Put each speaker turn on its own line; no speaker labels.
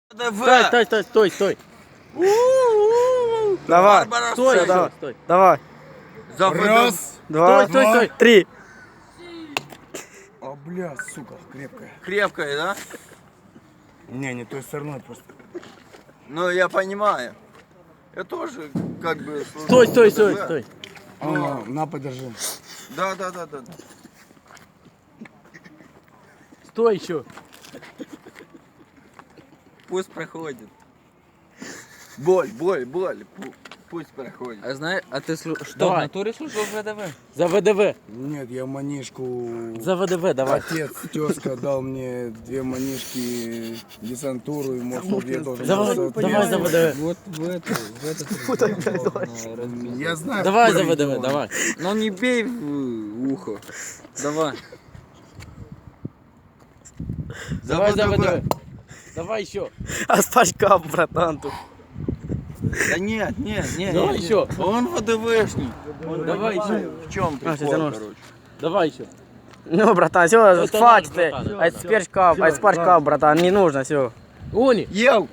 Стой.
Давай.
Стой,
давай.
стой.
Давай.
Раз.
Два.
Стой.
3.
А, бля, сука, крепкая.
Крепкая, да?
Не той стороной просто.
Ну, я понимаю. Я тоже как бы... служу
Стой.
в ВДВ.
На, подержи.
Да.
Стой еще.
Пусть проходит. Боль. Пусть проходит.
А знаешь, а ты что, в
Давай.
натуре служил в ВДВ?
За ВДВ.
Нет, я манишку...
За ВДВ, давай.
Отец, тезка дал мне 2 манишки десантуру, и может я тоже...
Давай за ВДВ.
Вот в это.
Я знаю.
Давай за
какой
ВДВ,
регион.
давай.
Ну не бей в ухо. Давай.
Давай за ВДВ. Давай еще.
А спачкал, братан, тут.
Да нет.
Давай еще.
Он ВДВшник.
Давай еще.
В чем
А,
прикол,
тянешь.
короче?
Давай еще.
Ну, братан, все,
Это
хватит
наш,
ты.
братан,
А
всё.
спачкал, братан, не нужно, все.
Они.
Ел!